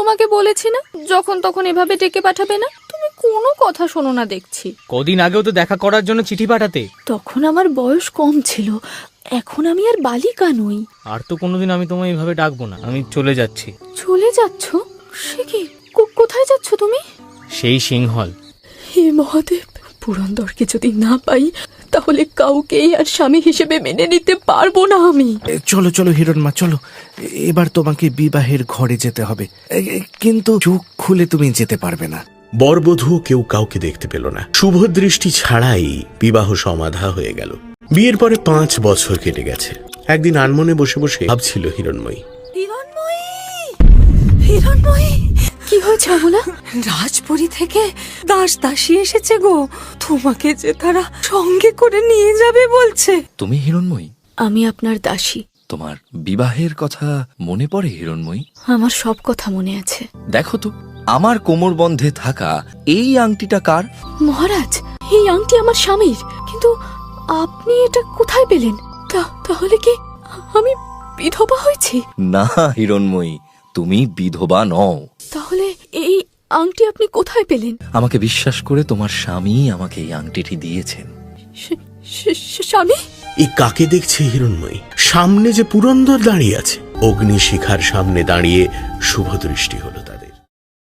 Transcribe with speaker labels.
Speaker 1: তোমাকে বলেছি না যখন তখন এভাবে ডেকে পাঠাবে না। তুমি কোনো কথা শোনো না দেখছি।
Speaker 2: কদিন আগেও তো দেখা করার জন্য চিঠি পাঠাতে।
Speaker 1: তখন আমার বয়স কম ছিল, এখন আমি আর বালিকা নই।
Speaker 2: আর তো কোনোদিন আমি তোমায় এইভাবে ডাকবো না। আমি চলে যাচ্ছি।
Speaker 1: চলে যাচ্ছ? সে কি, কোথায় যাচ্ছ তুমি?
Speaker 2: সেই সিংহল।
Speaker 1: হে মহাদেব, পুরন্দরকে যদি না পাই তাহলে কাউকেই আর স্বামী হিসেবে মেনে নিতে পারবো না আমি।
Speaker 3: চলো চলো হিরণমা, চলো। এবার তোমাকে বিবাহের ঘরে যেতে হবে, কিন্তু চোখ খুলে তুমি যেতে পারবে না।
Speaker 4: বরবধূ কেউ কাউকে দেখতে পেল না। শুভ দৃষ্টি ছাড়াই বিবাহ সমাধা হয়ে গেল। বিয়ের পরে 5 বছর কেটে গেছে। একদিন আনমনে বসে বসে ভাবছিল হিরণময়ী।
Speaker 1: হিরণময়ী, কি হয়েছে অমলা?
Speaker 5: রাজপুরী থেকে দাস দাসী এসেছে গো, তোমাকে যে তারা সঙ্গে করে নিয়ে যাবে বলছে।
Speaker 6: তুমি হিরণময়ী?
Speaker 1: আমি আপনার দাসী।
Speaker 6: তোমার বিবাহের কথা মনে পড়ে হিরণময়ী?
Speaker 1: আমার সব কথা মনে আছে।
Speaker 6: দেখো তো, আমার কোমর বন্ধে থাকা এই আংটিটা কার?
Speaker 1: মহারাজ, এই আংটি আমার স্বামীর, কিন্তু আপনি এটা কোথায় পেলেন? তাহলে কি আমি বিধবা হয়েছি?
Speaker 6: না হিরণময়ী, তুমি বিধবা নও।
Speaker 1: তাহলে এই আংটি আপনি কোথায় পেলেন?
Speaker 6: আমাকে বিশ্বাস করে তোমার স্বামী আমাকে এই আংটিটি দিয়েছেন।
Speaker 1: স্বামী?
Speaker 4: এই কাকে দেখছে হিরণময়ী? সামনে যে পুরন্দর দাঁড়িয়ে আছে। অগ্নিশিখার সামনে দাঁড়িয়ে শুভ দৃষ্টি হলো।